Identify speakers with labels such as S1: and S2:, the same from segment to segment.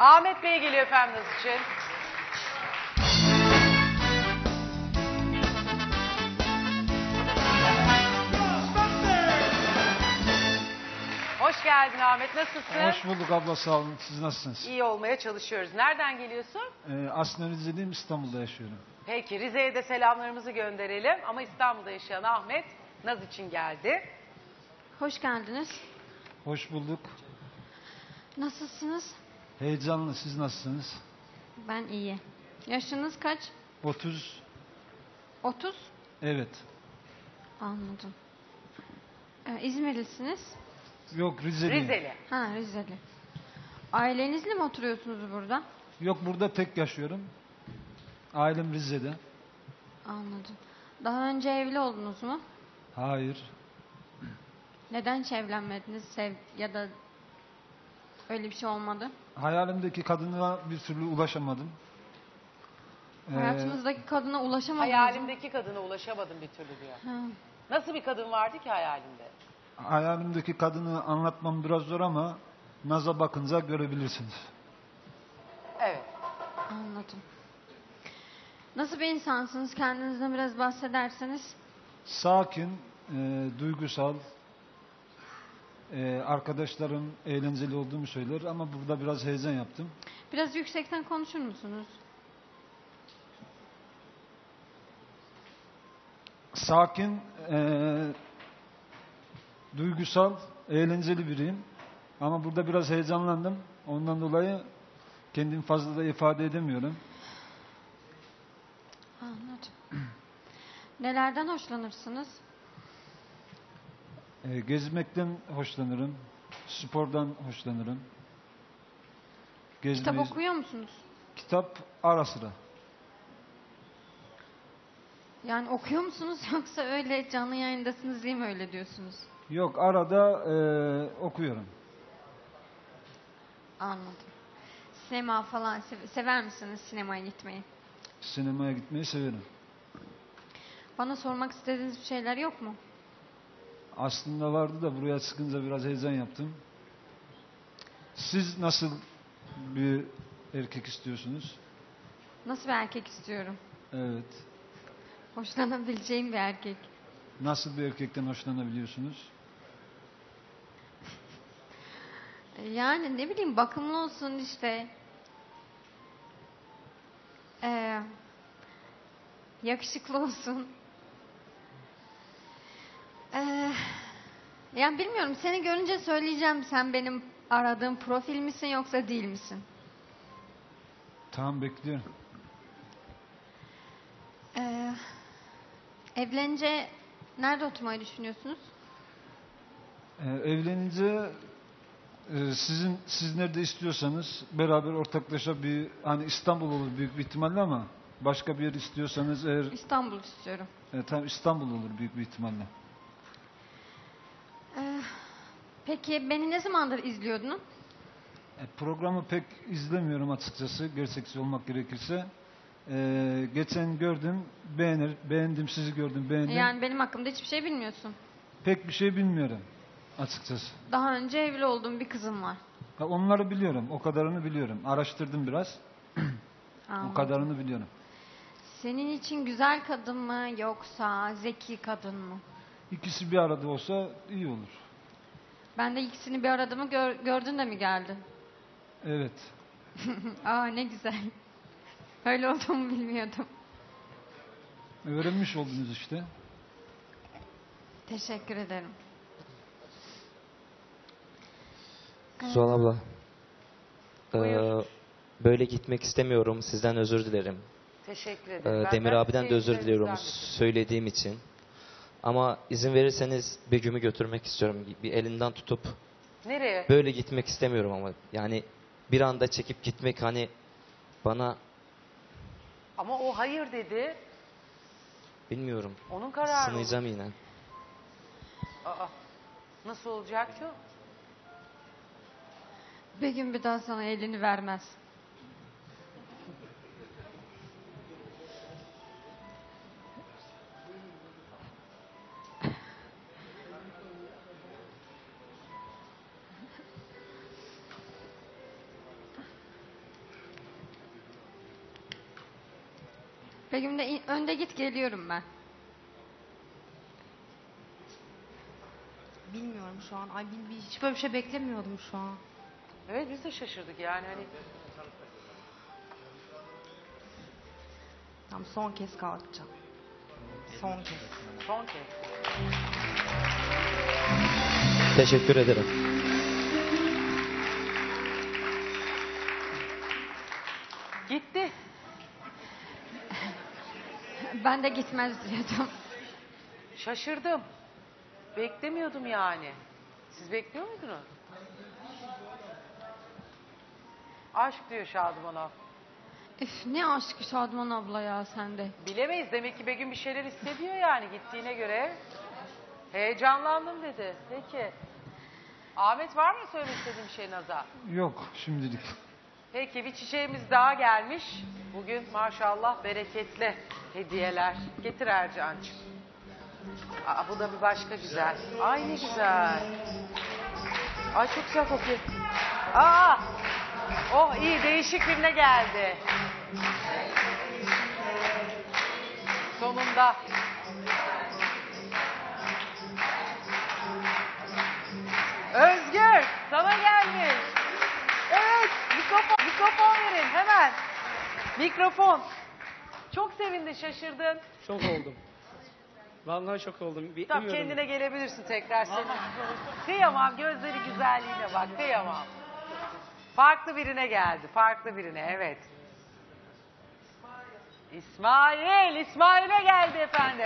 S1: Ahmet Bey geliyor efendim Naz için. Hoş geldin Ahmet, nasılsın?
S2: Hoş bulduk abla, sağ olun. Siz nasılsınız?
S1: İyi olmaya çalışıyoruz. Nereden geliyorsun?
S2: Aslında Rize'liyim, İstanbul'da yaşıyorum.
S1: Peki, Rize'ye de selamlarımızı gönderelim. Ama İstanbul'da yaşayan Ahmet, Naz için geldi.
S3: Hoş geldiniz.
S2: Hoş bulduk.
S3: Nasılsınız?
S2: Heyecanlı, siz nasılsınız?
S3: Ben iyi. Yaşınız kaç?
S2: 30.
S3: 30?
S2: Evet.
S3: Anladım. İzmirlisiniz?
S2: Yok, Rize'liyim.
S1: Rizeli.
S3: Ha, Rizeli. Ailenizle mi oturuyorsunuz burada?
S2: Yok, burada tek yaşıyorum. Ailem Rize'de.
S3: Anladım. Daha önce evli oldunuz mu?
S2: Hayır.
S3: Neden hiç evlenmediniz? Ya da öyle bir şey olmadı?
S2: Hayalimdeki kadına bir türlü ulaşamadım.
S3: Hayatınızdaki kadına ulaşamadınız mı?
S1: Hayalimdeki kadına ulaşamadım bir türlü diyor.
S3: Ha.
S1: Nasıl bir kadın vardı ki hayalinde?
S2: Hayalimdeki kadını anlatmam biraz zor ama Naz'a bakınca görebilirsiniz.
S1: Evet.
S3: Anladım. Nasıl bir insansınız? Kendinizden biraz bahsederseniz.
S2: Sakin, duygusal, arkadaşlarım eğlenceli olduğumu söyler ama burada biraz heyecan yaptım.
S3: Biraz yüksekten konuşur musunuz?
S2: Sakin, duygusal, eğlenceli biriyim. Ama burada biraz heyecanlandım. Ondan dolayı kendimi fazla da ifade edemiyorum.
S3: Anladım. Nelerden hoşlanırsınız?
S2: Gezmekten hoşlanırım. Spordan hoşlanırım.
S3: Kitap okuyor musunuz?
S2: Kitap ara sıra.
S3: Yani okuyor musunuz yoksa öyle canlı yayındasınız diye mi öyle diyorsunuz?
S2: Yok, arada okuyorum.
S3: Anladım. Sinema falan sever misiniz sinemaya gitmeyi?
S2: Sinemaya gitmeyi severim.
S3: Bana sormak istediğiniz bir şeyler yok mu?
S2: Aslında vardı da buraya çıkınca biraz heyecan yaptım. Siz nasıl bir erkek istiyorsunuz?
S3: Nasıl bir erkek istiyorum?
S2: Evet.
S3: Hoşlanabileceğim bir erkek.
S2: Nasıl bir erkekten hoşlanabiliyorsunuz?
S3: Yani ne bileyim bakımlı olsun işte. Yakışıklı olsun. Yani bilmiyorum, seni görünce söyleyeceğim, sen benim aradığım profil misin yoksa değil misin?
S2: Tamam, bekliyorum.
S3: Evlenince nerede oturmayı düşünüyorsunuz?
S2: Evlenince siz nerede istiyorsanız beraber ortaklaşa bir, hani İstanbul olur büyük bir ihtimalle ama başka bir yer istiyorsanız eğer
S3: İstanbul istiyorum.
S2: tam İstanbul olur büyük bir ihtimalle.
S3: Peki beni ne zamandır izliyordun?
S2: Programı pek izlemiyorum açıkçası, gerçekçi olmak gerekirse. Geçen gördüm, beğendim, sizi gördüm, beğendim.
S3: Yani benim hakkımda hiçbir şey bilmiyorsun.
S2: Pek bir şey bilmiyorum açıkçası.
S3: Daha önce evli olduğum bir kızım var.
S2: Onları biliyorum, o kadarını biliyorum. Araştırdım biraz, o kadarını biliyorum.
S3: Senin için güzel kadın mı yoksa zeki kadın mı?
S2: İkisi bir arada olsa iyi olur.
S3: Ben de ikisini bir aradığımı gördün de mi geldin?
S2: Evet.
S3: Aa, ne güzel. Öyle olduğumu bilmiyordum.
S2: Öğrenmiş oldunuz işte.
S3: Teşekkür ederim.
S4: Zuhal abla.
S1: Buyur.
S4: Böyle gitmek istemiyorum. Sizden özür dilerim.
S1: Teşekkür ederim.
S4: Demir abiden de özür
S1: seyircilerimizden
S4: diliyorum
S1: de-
S4: söylediğim için. Ama izin verirseniz Begüm'ü götürmek istiyorum. Bir elinden tutup.
S1: Nereye?
S4: Böyle gitmek istemiyorum ama. Yani bir anda çekip gitmek hani bana
S1: Ama o hayır dedi.
S4: bilmiyorum.
S1: Onun kararı.
S4: Sınayacağım yine.
S1: Aa, nasıl olacak ki o?
S3: Bir gün bir daha sana elini vermez. Begüm de önde git geliyorum ben.
S5: Bilmiyorum şu an. Ay hiç böyle bir şey beklemiyordum şu an.
S1: Evet biz de şaşırdık yani hani.
S5: Tamam son kez kalkacağım. Son kez.
S1: Son kez.
S4: Teşekkür ederim.
S1: Gitti.
S3: Ben de gitmez diyordum.
S1: Şaşırdım. Beklemiyordum yani. Siz bekliyor muydunuz? Aşk diyor Şadıman abla.
S3: Üf, ne aşkı Şadıman abla ya sende.
S1: Bilemeyiz. Demek ki Begüm bir şeyler hissediyor yani gittiğine göre. Heyecanlandım dedi. Peki. Ahmet var mı söylemek istediğin bir şey Naz'a?
S2: Yok şimdilik.
S1: Peki bir çiçeğimiz daha gelmiş. Bugün maşallah bereketli hediyeler. Getir Ercan'cığım. Aa, bu da bir başka güzel. Ay ne güzel. Ay çok güzel kokuyor. Aa! Oh iyi değişik birine geldi. Sonunda. Özgür sana gelmiş. Evet mikrofon verin hemen. Mikrofon. Çok sevindin şaşırdın.
S6: Şok oldum. Vallahi şok oldum.
S1: Tamam
S6: Bilmiyordum.
S1: kendine gelebilirsin tekrar senin. Kıyamam gözleri güzelliğine bak kıyamam. Farklı birine geldi farklı birine evet. İsmail'e geldi efendim.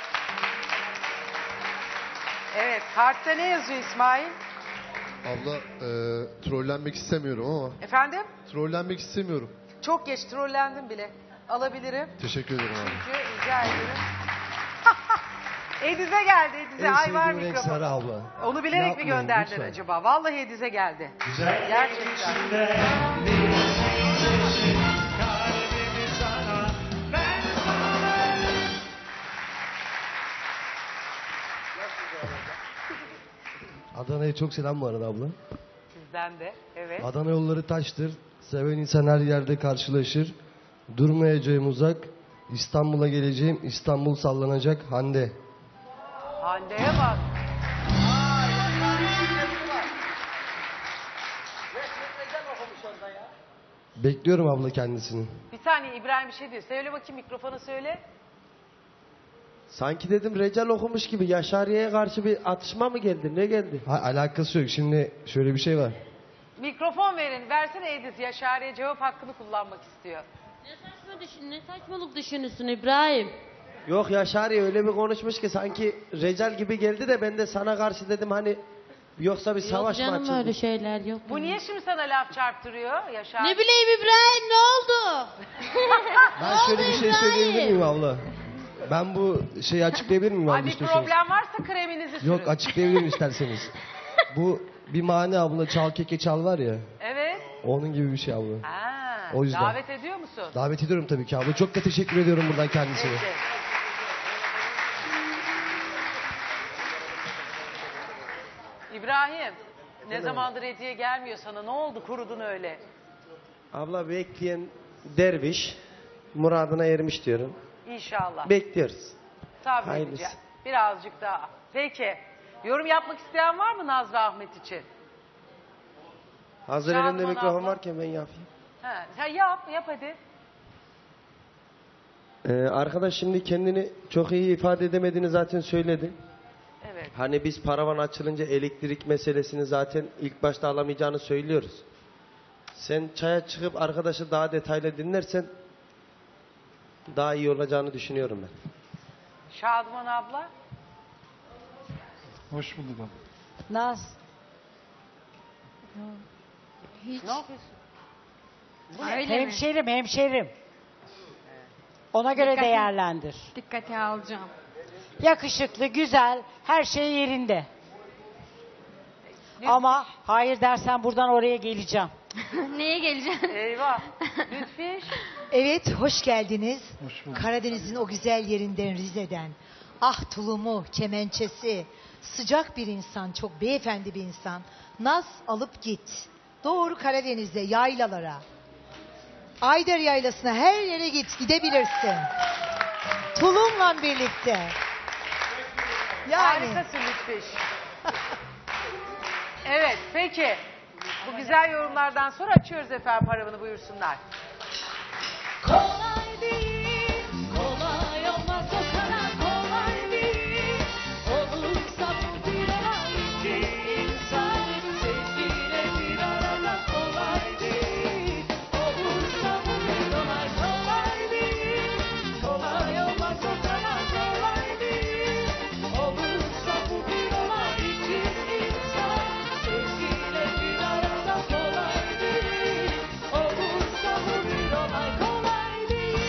S1: Evet kartta ne yazıyor İsmail?
S7: Abla trollenmek istemiyorum ama.
S1: Efendim?
S7: Trollenmek istemiyorum.
S1: Çok geç trollendim bile. Alabilirim.
S7: Teşekkür ederim abi.
S1: Çünkü rica ederim. Ediz'e geldi Ediz'e. Ay var mikrofon.
S8: Sarı abla.
S1: Onu bilerek mi
S8: Yapmayın,
S1: gönderdiler
S8: lütfen.
S1: acaba? Vallahi Ediz'e geldi.
S8: Güzel.
S1: Gerçekten.
S8: Adana'ya çok selam bu arada abla.
S1: Sizden de. Evet.
S8: Adana yolları taştır. Seven insan her yerde karşılaşır. Durmayacağım uzak. İstanbul'a geleceğim. İstanbul sallanacak. Hande.
S1: Hande'ye bak.
S8: Bekliyorum abla kendisini.
S1: Bir saniye İbrahim bir şey diyor. Söyle bakayım mikrofona söyle.
S9: Sanki dedim Recal okumuş gibi Yaşariye'ye karşı bir atışma mı geldi? Ne geldi?
S8: Alakası yok. Şimdi şöyle bir şey var.
S1: Mikrofon verin. Versene Ediz. Yaşar'ya cevap hakkını kullanmak istiyor.
S10: Ne saçmalık düşünüyorsun İbrahim?
S9: Yok Yaşariye öyle bir konuşmuş ki sanki Recal gibi geldi de ben de sana karşı dedim hani yoksa bir savaş mı
S10: Yok canım
S9: açıldı?
S10: öyle şeyler yok.
S1: Bu niye şimdi sana laf çarptırıyor Yaşar?
S10: Ne bileyim İbrahim ne oldu?
S8: Ben şöyle bir şey söyleyebilir miyim abla? Ben bu şeyi açıklayabilir miyim?
S1: Ay
S8: yanlış
S1: bir
S8: düşünüyorsun?
S1: problem varsa kreminizi sürün.
S8: Yok açıklayabilirim isterseniz. Bu bir mani abla çal keke çal var ya.
S1: Evet.
S8: Onun gibi bir şey abla.
S1: Ha,
S8: O yüzden.
S1: davet ediyor musun?
S8: Davet ediyorum tabii ki abla. Çok da teşekkür ediyorum buradan kendisine.
S1: Peki. İbrahim, ne zamandır hediye gelmiyor sana? Ne oldu? Kurudun öyle.
S9: Abla bekleyen derviş muradına ermiş diyorum.
S1: İnşallah.
S9: Bekliyoruz.
S1: Sabredeceğim.
S9: hayırlısı.
S1: Birazcık daha. Peki. Yorum yapmak isteyen var mı Nazlı Ahmet için?
S9: Hazır
S1: Şadıman
S9: elimde mikrofon
S1: abla.
S9: varken ben yapayım.
S1: Ha, sen yap hadi.
S9: Arkadaş şimdi kendini çok iyi ifade edemediğini zaten söyledi.
S1: Evet.
S9: Hani biz paravan açılınca elektrik meselesini zaten ilk başta alamayacağını söylüyoruz. Sen çaya çıkıp arkadaşı daha detaylı dinlersen daha iyi olacağını düşünüyorum ben.
S1: Şadıman abla.
S2: Hoş bulduk abla.
S11: Naz.
S3: Hiç.
S1: Ne yapıyorsun?
S3: Öyle mi?
S11: Hemşerim. Ona göre değerlendir.
S3: Dikkate alacağım.
S11: Yakışıklı, güzel, her şey yerinde. Ama hayır dersen buradan oraya geleceğim.
S3: Neye geleceğim?
S1: Eyvah. Lütfiş.
S12: Evet, hoş geldiniz.
S2: Hoş bulduk.
S12: Karadeniz'in o güzel yerinden, Rize'den. Ah tulumu, kemençesi, sıcak bir insan, çok beyefendi bir insan. Naz alıp git. Doğru Karadeniz'e, yaylalara. Ayder Yaylası'na her yere gidebilirsin. Tulum'la birlikte. Yani.
S1: Harikasın Lütfiş. Evet peki. Bu güzel yorumlardan sonra açıyoruz efendim paravanı, buyursunlar.
S13: Kolay değil, kolay olmaz o kadar kolay değil. Olursa bu bir olay, iki insan sevgiyle bir arada kolay değil. Olursa bu bir olay, kolay değil. Kolay olmaz o kadar kolay değil. Olursa bu bir olay, iki insan sevgiyle bir arada kolay değil. Olursa bu bir olay, kolay değil.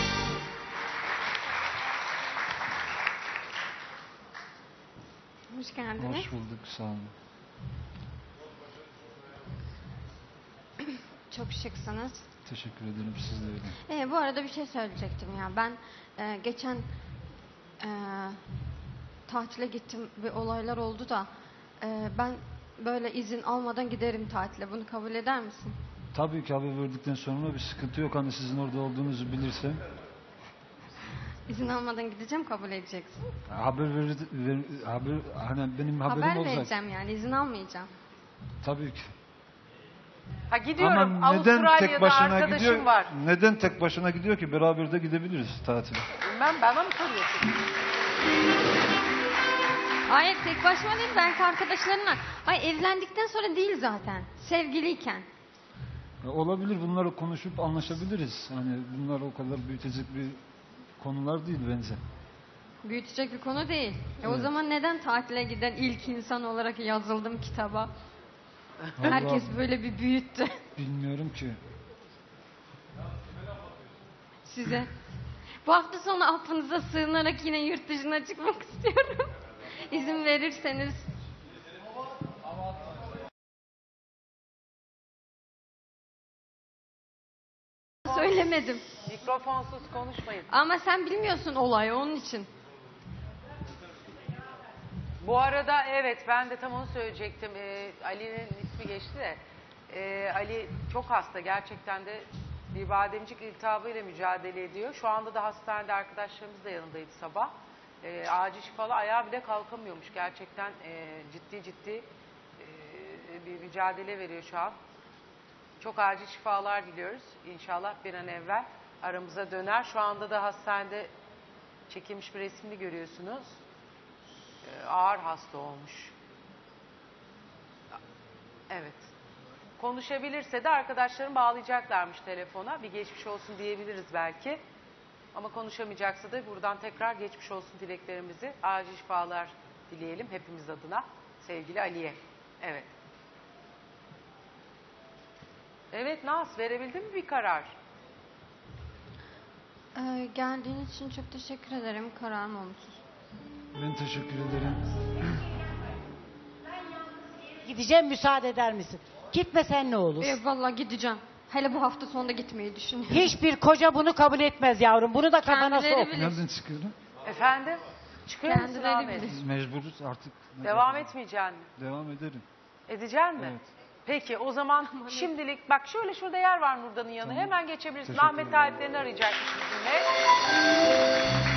S3: Hoş geldiniz.
S2: Hoş bulduk, sağ olun.
S3: Çok şıksınız.
S2: Teşekkür ederim, siz de öyle.
S3: Bu arada bir şey söyleyecektim ya. Ben geçen tatile gittim ve olaylar oldu da ben böyle izin almadan giderim tatile. Bunu kabul eder misin?
S2: Tabii ki haber verdikten sonra bir sıkıntı yok. Hani sizin orada olduğunuzu bilirsem.
S3: İzin almadan gideceğim, kabul edeceksin.
S2: Hani benim haberim
S3: Haber
S2: olacak.
S3: vereceğim yani, izin almayacağım.
S2: Tabii ki.
S1: Ha gidiyorum,
S2: Ama neden tek
S1: Avustralya'da
S2: başına
S1: arkadaşım
S2: gidiyor?
S1: var.
S2: Neden tek başına gidiyor ki? Beraber de gidebiliriz tatile.
S1: Bilmem, bana mı soruyorsun?
S3: Hayır, tek başıma değil, belki arkadaşlarımla. Hayır, evlendikten sonra değil zaten. Sevgiliyken.
S2: Olabilir, bunları konuşup anlaşabiliriz. Hani bunlar o kadar büyütecek bir konular değil bence.
S3: Büyütecek bir konu değil. O
S2: Evet.
S3: zaman neden tatile giden ilk insan olarak yazıldım kitaba? Herkes
S2: Vallahi
S3: böyle bir büyüttü
S2: bilmiyorum ki.
S3: size. Bu hafta sonu affınıza sığınarak yine yurt dışına çıkmak istiyorum. İzin verirseniz. Söylemedim.
S1: Mikrofonsuz konuşmayın.
S3: Ama sen bilmiyorsun olayı, onun için.
S1: Bu arada evet, ben de tam onu söyleyecektim. Ali'nin ismi geçti de. Ali çok hasta, gerçekten de bir bademcik iltihabıyla mücadele ediyor. Şu anda da hastanede, arkadaşlarımız da yanındaydı sabah. Acil şifalı, ayağı bile kalkamıyormuş. Gerçekten ciddi bir mücadele veriyor şu an. Çok acil şifalar diliyoruz. İnşallah bir an evvel aramıza döner. Şu anda da hastanede çekilmiş bir resmini görüyorsunuz. Ağır hasta olmuş. Evet. Konuşabilirse de arkadaşlarım bağlayacaklarmış telefona. Bir geçmiş olsun diyebiliriz belki. Ama konuşamayacaksa da buradan tekrar geçmiş olsun dileklerimizi, acil şifalar dileyelim hepimiz adına. Sevgili Ali'ye. Evet. Evet Naz, verebildin mi bir karar?
S3: Geldiğiniz için çok teşekkür ederim. Kararım olumsuz.
S2: Ben teşekkür ederim.
S11: Gideceğim, müsaade eder misin? Gitmesen ne olur?
S3: Vallahi gideceğim. Hele bu hafta sonunda gitmeyi düşünüyorum.
S11: Hiçbir koca bunu kabul etmez yavrum. Bunu da kafana
S3: Kendileri
S11: sok.
S3: bilir.
S2: Nereden çıkıyorum?
S1: Efendim? Çıkıyor musun
S3: Kendileri
S1: Ahmet?
S3: bilir.
S2: Biz mecburuz artık.
S1: Devam etmeyeceksin mi?
S2: Devam ederim.
S1: Edeceksin mi?
S2: Evet.
S1: Peki o zaman şimdilik bak şöyle şurada yer var Nurdan'ın yanı.
S2: Tamam.
S1: Hemen geçebilirsin.
S2: Teşekkür
S1: Ahmet
S2: ederim.
S1: Tayyiplerini arayacakmış bizimle.